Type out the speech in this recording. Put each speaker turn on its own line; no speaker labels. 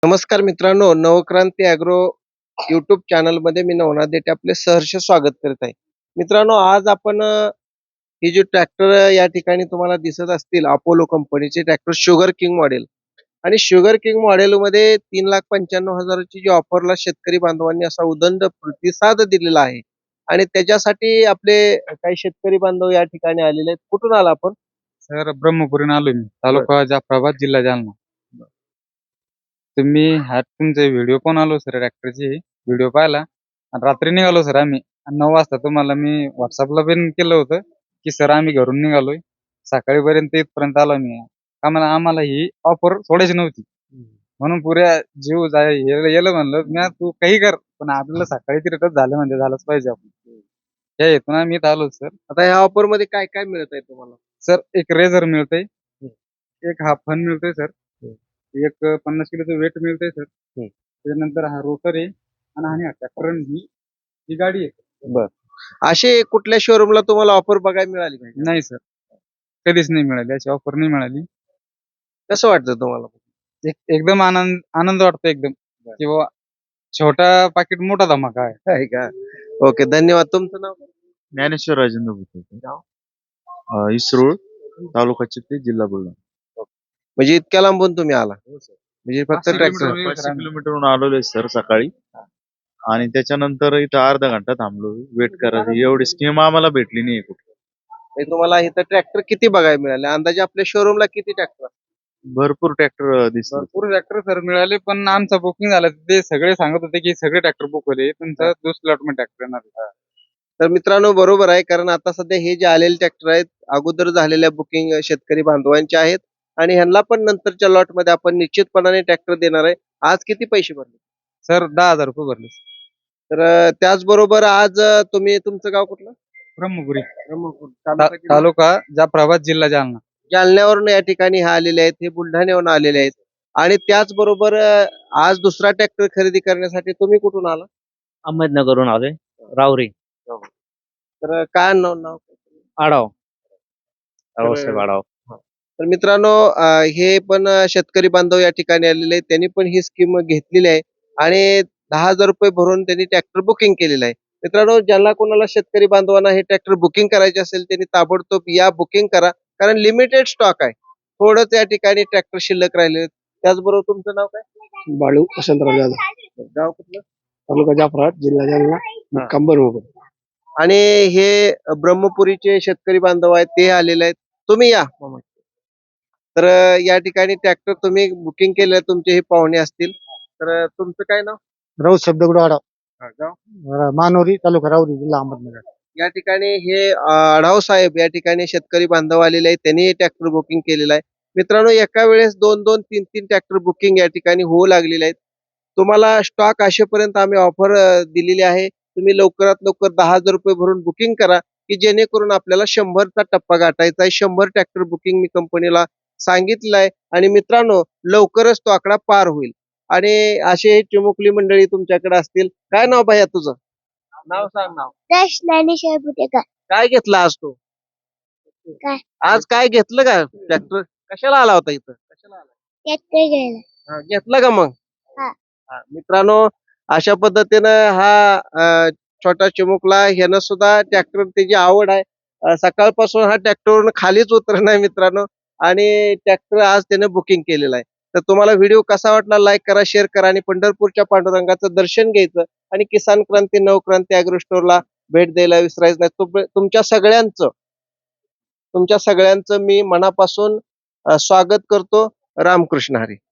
नमस्कार मित्रांनो, Navkranti agro YouTube चॅनलमध्ये मी नवनाथ देठे आपले सहर्ष स्वागत करत आहे. मित्रांनो, आज आपण ही जी ट्रॅक्टर या ठिकाणी तुम्हाला दिसत असतील अपोलो कंपनीचे ट्रॅक्टर शुगर किंग मॉडेल आणि शुगर किंग मॉडेलमध्ये 3,95,000 ची जी ऑफरला शेतकरी बांधवांनी असा उदंड प्रतिसाद दिलेला आहे आणि त्याच्यासाठी आपले काही शेतकरी बांधव या ठिकाणी आलेले आहेत. कुठून आला आपण?
सर ब्रह्मपुरीहून आलोय मी. तालुका जाफराबाद, जिल्हा जालना. तुम्ही तुमचे व्हिडिओ पण आलो सर ट्रॅक्टरचे व्हिडिओ पाहिला आणि रात्री निघालो सर आम्ही. 9 वाजता तुम्हाला मी व्हॉट्सअपला पण केलं होतं की सर आम्ही घरून निघालोय. सकाळीपर्यंत इथपर्यंत आलो मी. आम्हाला ही ऑफर सोडायची नव्हती. म्हणून पुऱ्या जीव गेलं म्हणलं मी तू काही कर पण आपल्याला सकाळी तिथं झालं म्हणजे झालंच पाहिजे आपण. या हेतून आम्ही इथं आलो सर.
आता ह्या ऑफर मध्ये काय काय मिळत आहे तुम्हाला?
सर एक रेझर मिळतंय, एक हा फन मिळतोय सर, एक 50 किलोचं वेट मिळतंय सर. त्याच्यानंतर हा रोटर आहे आणि हा ट्रॅक्टर ही ही गाडी आहे.
असे कुठल्या शोरूमला तुम्हाला ऑफर बघायला मिळाली का?
नाही सर, कधीच नाही मिळाली, अशी ऑफर नाही मिळाली.
कसं वाटतं तुम्हाला?
एकदम आनंद वाटतो एकदम की बाबा छोटा पाकिट मोठा धमाका आहे.
आहे का? ओके, धन्यवाद. तुमचं नाव?
ज्ञानेश्वर राजेंद्र भुते, इसरूळ, तालुका चिखली, जिल्हा बुलढाणा.
म्हणजे इतक्या लांबून तुम्ही आला? म्हणजे फक्त
500
ट्रॅक्टर?
किलोमीटर.
500 किलोमीटरहून आलेलो सर सकाळी, आणि त्याच्यानंतर इथं अर्धा घंटा थांबलो वेट करायचं. एवढी स्कीम आम्हाला भेटली नाही कुठे.
तुम्हाला इथं ट्रॅक्टर किती बघायला मिळाले? अंदाजे आपल्या शोरूमला किती ट्रॅक्टर?
भरपूर ट्रॅक्टर दिसले.
भरपूर ट्रॅक्टर सर मिळाले, पण आमचं बुकिंग झालं. ते सगळे सांगत होते की सगळे ट्रॅक्टर बुक होते, तुमचं दुसऱ्या लॉटमध्ये ट्रॅक्टर येणार.
तर मित्रांनो, बरोबर आहे, कारण आता सध्या हे जे आलेले ट्रॅक्टर आहेत अगोदर झालेल्या बुकिंग शेतकरी बांधवांचे आहेत आणि ह्यांना पण नंतरच्या लॉट मध्ये आपण निश्चितपणाने ट्रॅक्टर देणार आहे. आज किती पैसे भरले?
सर 10,000 रुपये भरले.
तर त्याचबरोबर आज तुम्ही, तुमचं गाव कुठलं?
ब्रह्मपुरी,
ब्रह्मपूर, तालुका जिल्हा?
तालुका जाफराबाद, जिल्हा जालना.
जालन्यावरून या ठिकाणी हे आलेले आहेत, हे बुलढाण्यावरून आलेले आहेत. आणि त्याचबरोबर आज दुसरा ट्रॅक्टर खरेदी करण्यासाठी तुम्ही कुठून आला?
अहमदनगरहून आलोय, राहुरी.
तर काय नाव?
आडाव,
तर
रावसाहेब आडाव.
तर मित्रांनो, हे पण शेतकरी बांधव या ठिकाणी आलेले आहेत. त्यांनी पण ही स्कीम घेतलेली आहे आणि 10,000 रुपये भरून त्यांनी ट्रॅक्टर बुकिंग केलेलं आहे. मित्रांनो, ज्यांना कोणाला शेतकरी बांधवांना हे ट्रॅक्टर बुकिंग करायचे असेल त्यांनी ताबडतोब या, बुकिंग करा, कारण लिमिटेड स्टॉक आहे. थोडंच या ठिकाणी ट्रॅक्टर शिल्लक राहिले. त्याचबरोबर तुमचं नाव काय?
बाळू वसंतराव जाधव,
गाव कुठलं?
तालुका जाफराबाद, जिल्हा जालना, कंबरमोगल.
आणि हे ब्रह्मपुरीचे शेतकरी बांधव आहेत, ते आलेले आहेत. तुम्ही या मामा. तर या ठिकाणी ट्रॅक्टर तुम्ही बुकिंग केलं, तुमचे हे पाहुणे असतील. तर तुमचं काय नाव?
राऊत शब्दगुड आडाव,
गाव?
मानोरी, तालुका राऊरी, जिल्हा अहमदनगर.
या ठिकाणी हे आढाव साहेब या ठिकाणी शेतकरी बांधव आलेले आहेत, त्यांनी ट्रॅक्टर बुकिंग केलेलं आहे. मित्रांनो, एका वेळेस 2-2, 3-3 ट्रॅक्टर बुकिंग या ठिकाणी होऊ लागलेले आहेत. तुम्हाला स्टॉक असेपर्यंत आम्ही ऑफर दिलेली आहे. तुम्ही लवकरात लवकर 10,000 रुपये भरून बुकिंग करा, की जेणेकरून आपल्याला 100चा टप्पा गाठायचा आहे. 100 ट्रॅक्टर बुकिंग मी कंपनीला सांगितलं आहे आणि मित्रांनो, लवकरच तो आकडा पार होईल. आणि असे चिमुकली मंडळी तुमच्याकडे असतील. काय नाव भैया तुझं? नाव सांग. नाव
ज्ञानेश्वर भुतेकर.
काय घेतला आज तू?
काय?
आज काय घेतलं का ट्रॅक्टर? कशाला आला होता इथं? कशाला आला?
ट्रॅक्टर घ्यायला.
घेतला का मग?
हा.
मित्रांनो, अशा पद्धतीनं हा छोटा चिमुकला, ह्यानं सुद्धा ट्रॅक्टर, त्याची आवड आहे. सकाळपासून हा ट्रॅक्टरवरून खालीच उतरत नाही मित्रांनो, आणि ट्रॅक्टर आज त्याने बुकिंग केलेला आहे. तर तुम्हाला व्हिडिओ कसा वाटला? लाईक करा, शेअर करा आणि पंढरपूरच्या पांडुरंगाचं दर्शन घ्यायचं आणि किसान क्रांती, नवक्रांती ॲग्रो स्टोअरला भेट द्यायला विसरायचं नाही. तुमच्या सगळ्यांचं मी मनापासून स्वागत करतो. रामकृष्ण हरी.